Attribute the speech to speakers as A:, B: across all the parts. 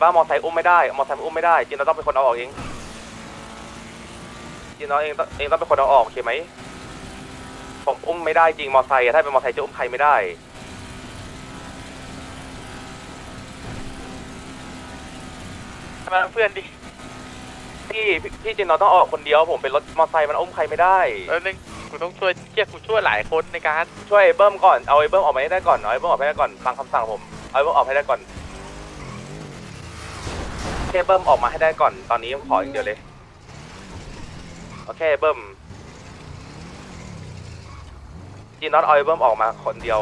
A: ว่ามอไซค์อุ้มไม่ได้มอไซค์อุ้มไม่ได้จีนเราต้องเป็นคนเอาออกเองจีนเราเองต้องเป็นคนเอาออกโอเคไหมผมอุ้มไม่ได้จริงมอไซค์ถ้าเป็นมอไซค์จะอุ้มใครไม่ได้มาเพื่อนดิพี่จีนเราต้องออกคนเดียวผมเป็นรถมอไซค์มันอุ้มใครไม่ได้
B: นึงกูต้องช่วยกูช่วยหลายคนในการ
A: ช่วยเบิ้มก่อนเอาไอ้เบิ้มออกมาให้ได้ก่อนเอาไอ้เบิ้มออกให้ได้ก่อนฟังคำสั่งผมเอาไอ้เบิ้มออกให้ได้ก่อนแค่เบิ้มออกมาให้ได้ก่อนตอนนี้ขออย่างเดียวเลยโอเคเบิ้มจีนน็อตเอาไอ้เบิ้มออกมาคนเดียว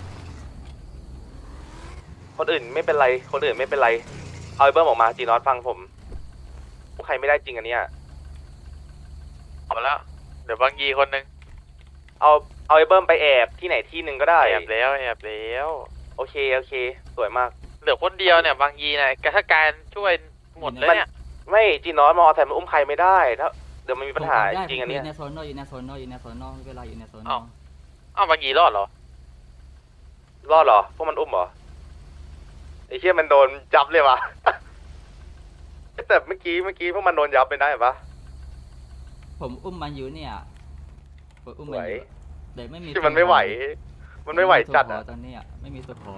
A: คนอื่นไม่เป็นไรคนอื่นไม่เป็นไรเอาไอ้เบิ้มออกมาจีนน็อตฟังผมใครไม่ได้จริงอันเนี้ย
B: เอาแล้วเดี๋ยวบางยีคนนึง
A: เอาไอ้เบิ้มไปแอบที่ไหนที่หนึ่งก็ได้
B: แอบแล้ว
A: โอเคสวยมาก
B: เหลือคนเดียวเนี่ยบางยีนะถ้าการช่วยหมดเลยเนี่ย
A: ไม่จีนอสมอแต่มันอุ้มใครไม่ได้ถ้าเดี๋ยวมันมีปัญหาจริงอันนี้
C: อยู่ในโซนนอกอยู่ในโซนนอกเวลาอยู่ในโซนนอก
B: อ้าวบางยีรอดเหรอ
A: พวกมันอุ้มเหรอไอ้เชี่ยมันโดนจับเลยวะแต่เมื่อกี้พวกมันโดนยับไปได้ปะ
C: ผมอุ้มมันอยู่เนี่ยผมอุ้มมันอยู่แต่ไม่มี
A: ที่มันไม่ไหวจัดอ่ะ
C: ตอนนี้ไม่มีตัวพอ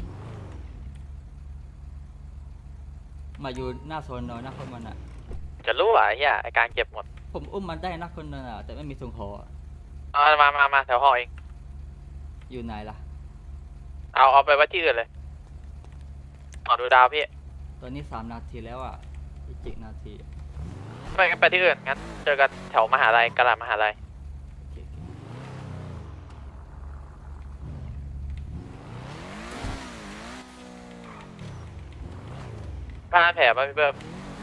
C: มาอยู่หน้าโซนนอกหน้าคนมันอ่ะ
B: จะรู้อ่ะเฮียไอการเก็บหมด
C: ผมอุ้มมันได้นักคนนึงอ่ะแต่ไม่มีทรงคอ
B: มาแถวห้องเอง
C: อยู่ไหนล่ะ
B: เอาไปไว้ที่อื่นเลยดูดาวพี่
C: ตอนนี้3 นาทีแล้วอ่ะอีก7 นาที
B: ไปที่อื่นงั้นเจอกันแถวมหาลัยกะลามหาลัยผ้าแผลป่ะพี่เบิ้ม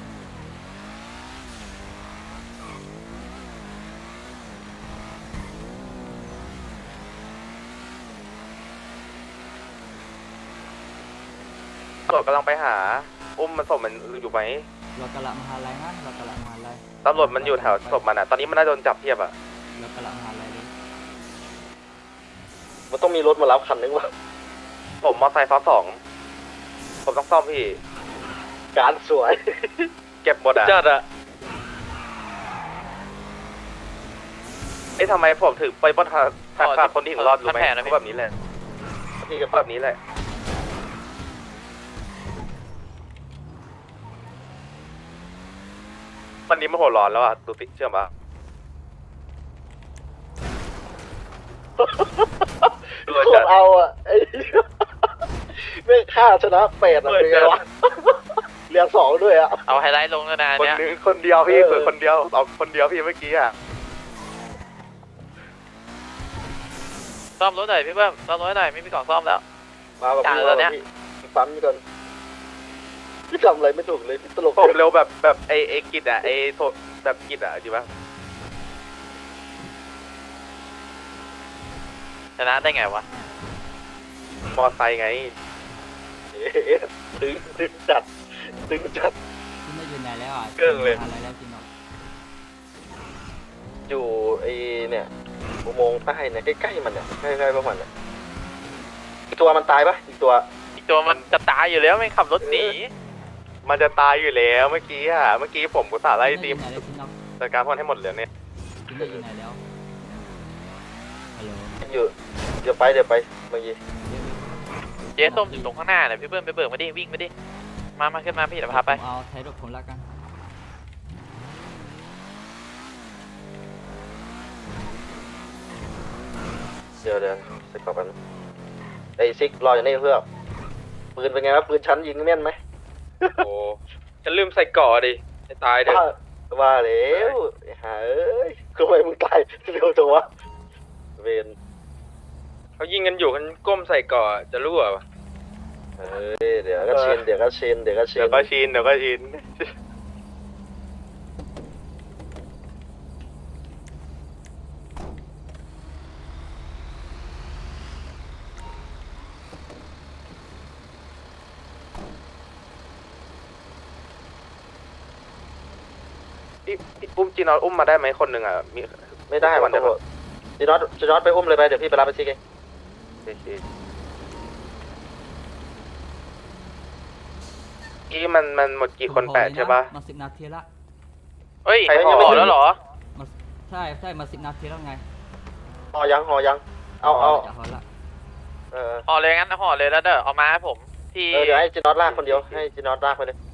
A: ตำรวจกำลังไปหาอุ้มมันศพมันอยู่ไหม
C: เรากะละมหาลัยนะเรากะละมหาลัย
A: ตำรวจมันอยู่แถวศพมันอ่ะตอนนี้มันน่าโดนจับเทียบอ่ะ
C: เรากะละมหาลัยเลย
A: มันต้องมีรถมารับคันนึงวะผมมอไซค์ซ้อน2ผมต้องซ่อมพี่การสวยเก็บหมดอ่ะจัดอ่ะทำไมผมถึงไปบนทางคนที่ถึงรอดรู้ไหมเขาแบบนี้แหละพี่ก็แบบนี้แหละวันนี้มันหัวร้อนแล้วอ่ะดูสิเชื่อปะ
D: คนเอาอ่ะไอ้ไม่ฆ่าชนะ8อ่ะเป็นไงวะเรียน2ด้วยอ่ะ
B: เอาไฮไลท์ลงแล้วนะเนี่ย
A: คนเดียวพี่เปิดคนเดียวเอาคนเดียวพี่เมื่อกี้อ่ะ
B: ซ่อมรถหน่อยพี่เบิ้มซ่อมรถหน่อยไม่มีกล่องซ่อมแล้ว
D: มาแบบนี้ปั๊มก่อนพี่ทำอะไรไม่ถูกเลยพี่ตลก
A: ผมเร็วแบบไอ้กิจอ่ะไอ้โทแบบกิจอ่ะจริงปะ
B: ชนะได้ไงวะ
A: มอไซค์ไง
D: ตึงจัด
C: ที่ไม่อยู่ไหนแล้วอ่ะ
A: เกินเลย
C: อะไรแล้วจริงหรอ
D: อยู่ไอ้เนี่ยอุโมงค์ใต้เนี่ยใกล้ๆมันเนี่ยใกล้ๆพวกมันเนี่ยอีกตัวมันตายปะอีกตัว
B: มันจะตายอยู่แล้วไม่ขับรถหนี
A: มันจะตายอยู่แล้วเมื่อกี้ผมกุศลไล่ทีมจัดการพวกให้หมดเลยเนี่ย
C: อยู่ไหนแล้วฮัลโหล
D: อยู่เดี๋ยวไปเมื่อกี้
B: เจ๊ส้มอยู่ตรงข้างหน้าเนี่ยพี่เบิ้มไปเบิกมาดิวิ่งมาดิมาขึ้นมาพี่เดี๋ยวพาไป
C: เอาใช้รถผมละกัน
D: เดี๋ยวเสร็จก่อนไอ้ซิกรออย่างนี้เพื่อปืนเป็นไงวะปืนชั้นยิงแม่นไหม
A: โอ้ฉันลืมใส่ก่อดิให้ตายเด้อ
D: ว่าแล้วหาเอ้ยทำไมมึงตายเร็วจังวะเวน
A: เขายิงกันอยู่กันก้มใส่ก่อจะรั่วปะ
D: เดี๋ยวก็ชิน
A: อุ้มจีนอสอุ้มมาได้ไหมคนหนึ่งอ่ะมี
D: ไม่ได้มันจะจีนอสไปอุ้มเลยไปเดี๋ยวพี่ไปรับไปซิกเอง
A: เอกี้มันหมดกี่คน8ใช่ปะ
C: มา10 นาทีละ
B: เฮ้ย
A: ใครห่อ
B: ห่อแล้วเหรอ
C: มาใช่มา10 นาทีแล้วไง
D: ห่อยังเอา
C: จะพอละ
B: ห่อเลยงั้นห่อเลยแล้วเด้อเอามาให้ผมที่
D: เดี๋ยวให้จีนอตลากคนเดียวให้จีนอตลากไปเลย